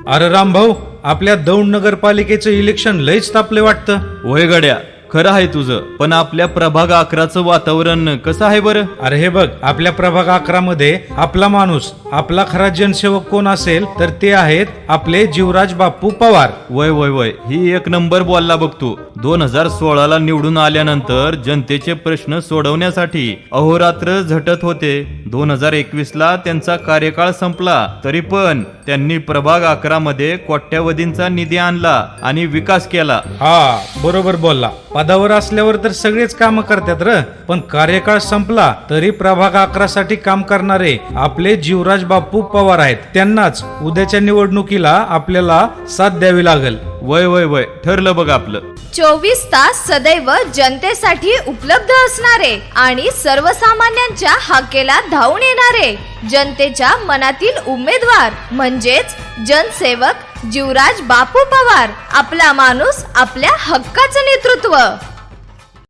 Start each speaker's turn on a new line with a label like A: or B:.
A: अरे रामभाऊ, आपल्या दौंड नगरपालिकेचं इलेक्शन लयच तापले वाटतं.
B: होय गड्या, खरं आहे तुझं. पण आपल्या प्रभाग 11चं वातावरण कसं आहे बरं?
A: अरे हे बघ, आपल्या प्रभाग 11 मध्ये आपला माणूस, आपला खरा जनसेवक कोण असेल तर ते आहेत आपले जीवराज बापू पवार.
B: वय वय वय, ही एक नंबर बोलला बघ तू. 2016ला निवडून आल्यानंतर जनतेचे प्रश्न सोडवण्यासाठी अहोरात्र झटत होते. 2021ला त्यांचा कार्यकाळ संपला, तरी पण त्यांनी प्रभाग 11 मध्ये कोट्यावधींचा निधी आणला आणि विकास केला.
A: हा, बरोबर बोलला. पदावर असल्यावर तर सगळेच काम करतात र, पण कार्यकाळ संपला तरी प्रभाग 11 साठी काम करणारे आपले जीवराज बापू पवार आहेत. त्यांनाच उद्याच्या निवडणुकीला आपल्याला साथ द्यावी लागेल.
B: वय वय वय, ठरलं बघ आपलं.
C: 24 तास सदैव जनतेसाठी उपलब्ध असणारे आणि सर्वसामान्यांच्या हाकेला धावून येणारे जनतेच्या मनातील उमेदवार म्हणजेच जनसेवक जीवराज बापू पवार. आपला माणूस, आपल्या हक्काचं नेतृत्व.